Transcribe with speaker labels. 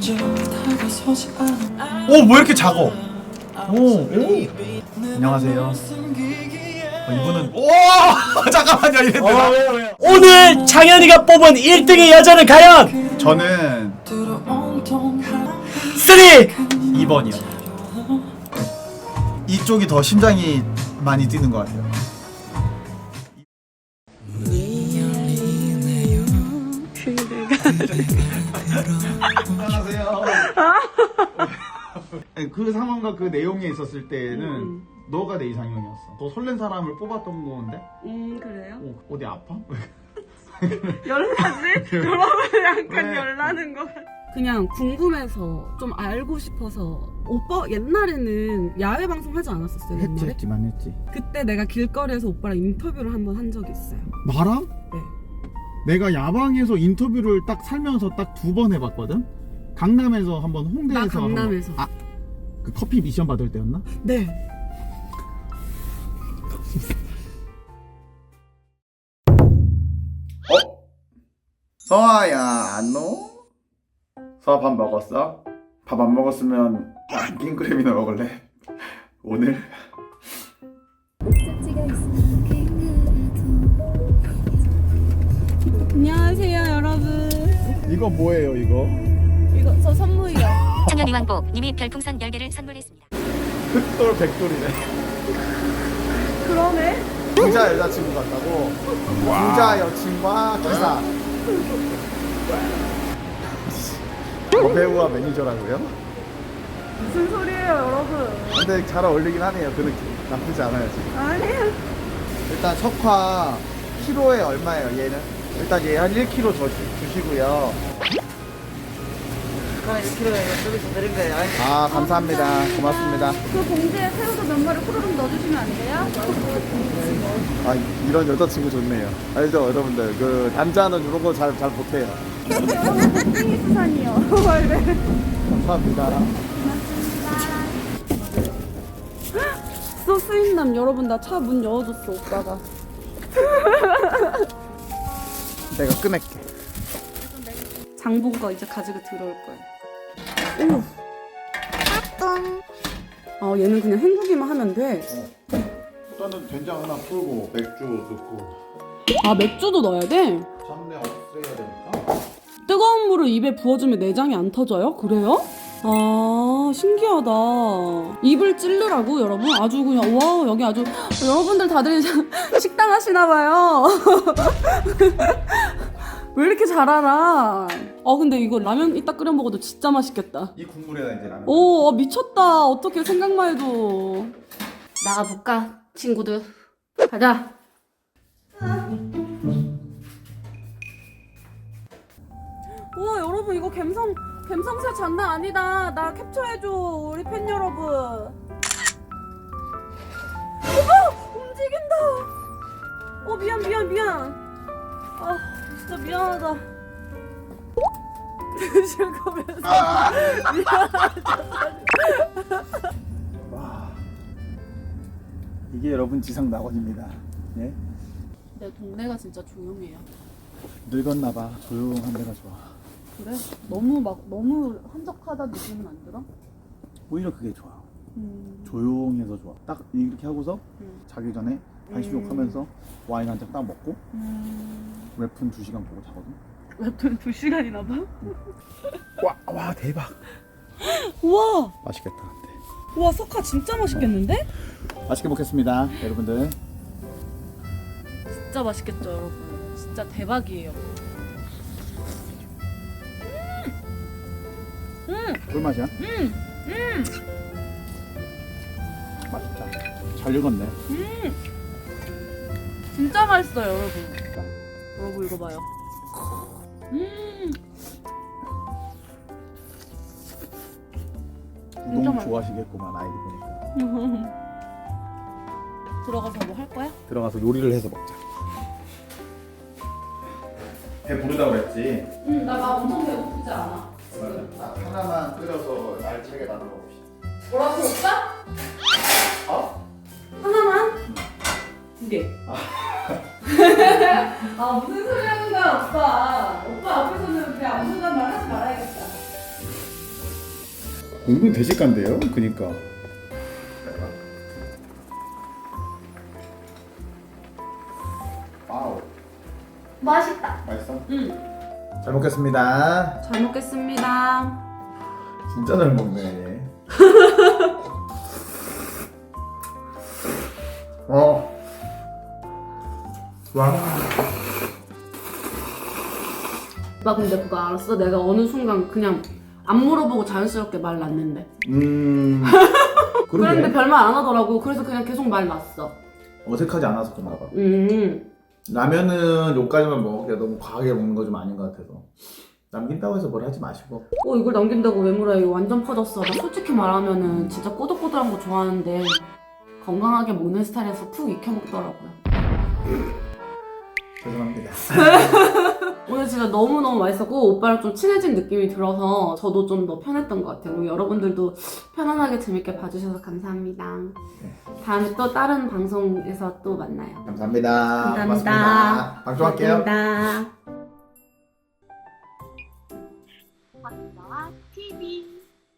Speaker 1: 오, 뭐 이렇게 작어? 오. 안녕하세요. 이분은 잠깐만요. 이랬는데
Speaker 2: 오늘 장현이가 뽑은 1등의 여자는 과연
Speaker 1: 저는
Speaker 2: 3!
Speaker 1: 2번이요. 이쪽이 더 심장이 많이 뛰는 것 같아요. 안녕하세요. 그 상황과 그 내용에 있었을 때는 너가 내 이상형이었어. 더 설렌 사람을 뽑았던 건데.
Speaker 3: 그래요?
Speaker 1: 어디 아파?
Speaker 3: 열나지? 여러분 약간
Speaker 1: 네.
Speaker 3: 열나는 거 같아. 그냥 궁금해서 좀 알고 싶어서. 오빠 옛날에는 야외 방송 하지 않았었어요? 옛날에?
Speaker 1: 했지만 했지.
Speaker 3: 그때 내가 길거리에서 오빠랑 인터뷰를 한번 한 적이 있어요.
Speaker 1: 나랑?
Speaker 3: 네.
Speaker 1: 내가 야방에서 인터뷰를 딱 살면서 딱 2번 해봤거든? 강남에서 한번, 홍대에서
Speaker 3: 나 강남에서.
Speaker 1: 아, 그 커피 미션 받을 때였나?
Speaker 3: 네.
Speaker 1: 서아야, 안녕? 서아 밥 먹었어? 밥 안 먹었으면 킹크랩이나 먹을래? 오늘?
Speaker 3: 안녕하세요 여러분.
Speaker 1: 이거 뭐예요, 이거?
Speaker 3: 이거 저 선물이요.
Speaker 4: 청년이왕복 님이 별풍선 10개를 선물했습니다.
Speaker 1: 흑돌 백돌이네.
Speaker 3: 그러네.
Speaker 1: 부자 여자친구 같다고? 부자 여친과 기사. 배우와 매니저라고요?
Speaker 3: 무슨 소리예요 여러분?
Speaker 1: 근데 잘 어울리긴 하네요. 그 느낌 나쁘지 않아요 지금.
Speaker 3: 아니에요.
Speaker 1: 일단 석화 키로에 얼마예요 얘는? 일단 얘 한 1kg 주시고요.
Speaker 5: 그럼 1kg에 여기서 드린 거예요.
Speaker 1: 아 감사합니다. 고맙습니다.
Speaker 3: 그 봉지에 새우도 몇 마리 후루룩 넣어주시면 안 돼요?
Speaker 1: 아 이런 여자친구 좋네요. 알죠 여러분들 그 남자는 이런 거 잘 못해요.
Speaker 3: 띵수산이요. 네.
Speaker 1: 감사합니다.
Speaker 3: 소스인남 여러분 나 차 문 열어줬어 오빠가.
Speaker 1: 내가 끊을게.
Speaker 3: 장본 거 이제 가지고 들어올 거예요. 오. 얘는 그냥 헹구기만 하면 돼.
Speaker 1: 일단은 된장 하나 풀고 맥주 넣고
Speaker 3: 아 맥주도 넣어야 돼?
Speaker 1: 잡내 없애야 되니까.
Speaker 3: 뜨거운 물을 입에 부어주면 내장이 안 터져요? 그래요? 아 신기하다. 입을 찌르라고 여러분? 아주 그냥 와 여기 아주 여러분들 다들 식당 하시나봐요. 왜 이렇게 잘 알아? 근데 이거 라면 이따 끓여 먹어도 진짜 맛있겠다.
Speaker 1: 이 국물에다 이제 라면.
Speaker 3: 오 미쳤다. 어떻게 생각만 해도. 나가볼까 친구들? 가자. 우와 여러분 이거 갬성새 장난 아니다. 나 캡처해줘 우리 팬 여러분. 움직인다. 미안. 아 진짜 미안하다. 드실 거면서
Speaker 1: 와 이게 여러분 지상 낙원입니다. 예?
Speaker 3: 내 동네가 진짜 조용해요.
Speaker 1: 늙었나봐. 조용한 데가 좋아.
Speaker 3: 그래? 너무 한적하다 느낌은 안 들어?
Speaker 1: 오히려 그게 좋아. 조용해서 좋아. 딱 이렇게 하고서 자기 전에 한식욕 하면서 와인 한 잔 딱 먹고 웹툰 2시간 보고 자거든.
Speaker 3: 웹툰 2시간이나 봐?
Speaker 1: 와 대박.
Speaker 3: 우와!
Speaker 1: 맛있겠다. 근데.
Speaker 3: 우와 석화 진짜 맛있겠는데?
Speaker 1: 맛있게 먹겠습니다 여러분들.
Speaker 3: 진짜 맛있겠죠 여러분. 진짜 대박이에요.
Speaker 1: 꿀맛이야? 맛있다. 잘 익었네.
Speaker 3: 진짜 맛있어요 여러분. 여러분 이거 봐요.
Speaker 1: 우동 좋아하시겠구만 아이디 보니까.
Speaker 3: 들어가서 뭐 할 거야?
Speaker 1: 들어가서 요리를 해서 먹자. 배 부르다고 그랬지?
Speaker 3: 나 막 엄청 배고프지 않아.
Speaker 1: 딱 하나만 끓여서 알차게 나눠 먹읍시다.
Speaker 3: 뭐라고 오빠?
Speaker 1: 어?
Speaker 3: 하나만? 2개. 아 무슨 소리 하는 거야 오빠. 오빠 앞에서는 그냥 아무 말 하지 말아야겠다.
Speaker 1: 은근히 대식간데요? 그니까. 와우.
Speaker 3: 맛있다.
Speaker 1: 맛있어?
Speaker 3: 응.
Speaker 1: 잘 먹겠습니다.
Speaker 3: 잘 먹겠습니다.
Speaker 1: 진짜 잘 먹네. 와.
Speaker 3: 오빠 근데 그거 알았어? 내가 어느 순간 그냥 안 물어보고 자연스럽게 말 났는데.
Speaker 1: 그런데
Speaker 3: 그런데 별말 안 하더라고. 그래서 그냥 계속 말 났어.
Speaker 1: 어색하지 않아서 그런가 봐.
Speaker 3: 음.
Speaker 1: 라면은 요까지만 먹기가 너무 과하게 먹는 거 좀 아닌 것 같아서 남긴다고 해서 뭘 하지 마시고.
Speaker 3: 이걸 남긴다고 왜 물어요? 이거 완전 퍼졌어. 나 솔직히 말하면은 진짜 꼬들꼬들한 거 좋아하는데 건강하게 먹는 스타일에서 푹 익혀 먹더라고요.
Speaker 1: 죄송합니다.
Speaker 3: 오늘 진짜 너무너무 맛있었고 오빠랑 좀 친해진 느낌이 들어서 저도 좀 더 편했던 것 같아요. 여러분들도 편안하게 재밌게 봐주셔서 감사합니다. 다음에 또 다른 방송에서 또 만나요.
Speaker 1: 감사합니다.
Speaker 3: 감사합니다.
Speaker 1: 고맙습니다. 방송할게요.
Speaker 3: 감사합니다.
Speaker 4: 박나와 TV